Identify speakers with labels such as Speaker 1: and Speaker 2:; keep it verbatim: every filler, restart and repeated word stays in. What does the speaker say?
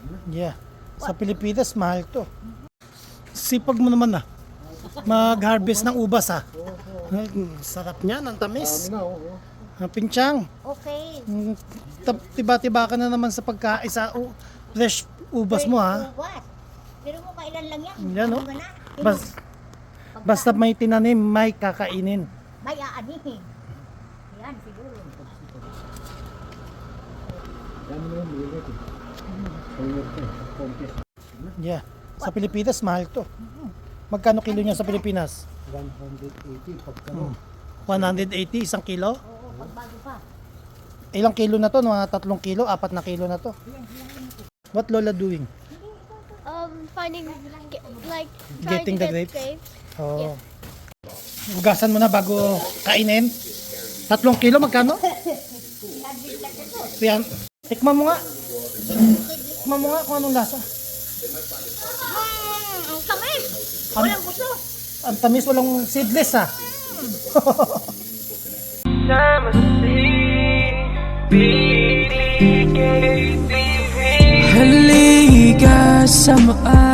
Speaker 1: Yeah. Sa Pilipinas, mahal to. Sipag mo naman ah. Mag-harvest ng ubas ah. Sarap niyan, ang tamis. Ang pinchang.
Speaker 2: Okay.
Speaker 1: Mm, tab- Tiba-tiba ka na naman sa pagkain sa uh, fresh ubas mo ha.
Speaker 2: Ubas. Pero mo kailan lang yan.
Speaker 1: Yan oh.
Speaker 2: Ano ba na?
Speaker 1: Bas, basta may tinanim, may kakainin.
Speaker 2: May aanihin. Yan, siguro.
Speaker 1: Yeah. Sa Pilipinas, mahal to. Magkano kilo niya sa Pilipinas?
Speaker 3: one eighty pagkano.
Speaker 1: one eighty, isang kilo?
Speaker 2: Oo, pagbago pa.
Speaker 1: Ilang kilo na to? Mga tatlong kilo, apat na kilo na to. What Lola doing?
Speaker 4: Um, finding, ge- like, trying
Speaker 1: Getting
Speaker 4: to
Speaker 1: the
Speaker 4: get
Speaker 1: grapes?
Speaker 4: grapes.
Speaker 1: Oh. Hugasan mo na bago kainin. Tatlong kilo, magkano? Yan. Tikman mo nga. Tikman mo nga kung anong lasa.
Speaker 2: Hmm, ang tamis.
Speaker 1: Ano?
Speaker 2: Walang gusto.
Speaker 1: Ang tamis, walang seedless ah.
Speaker 5: Halika sa maan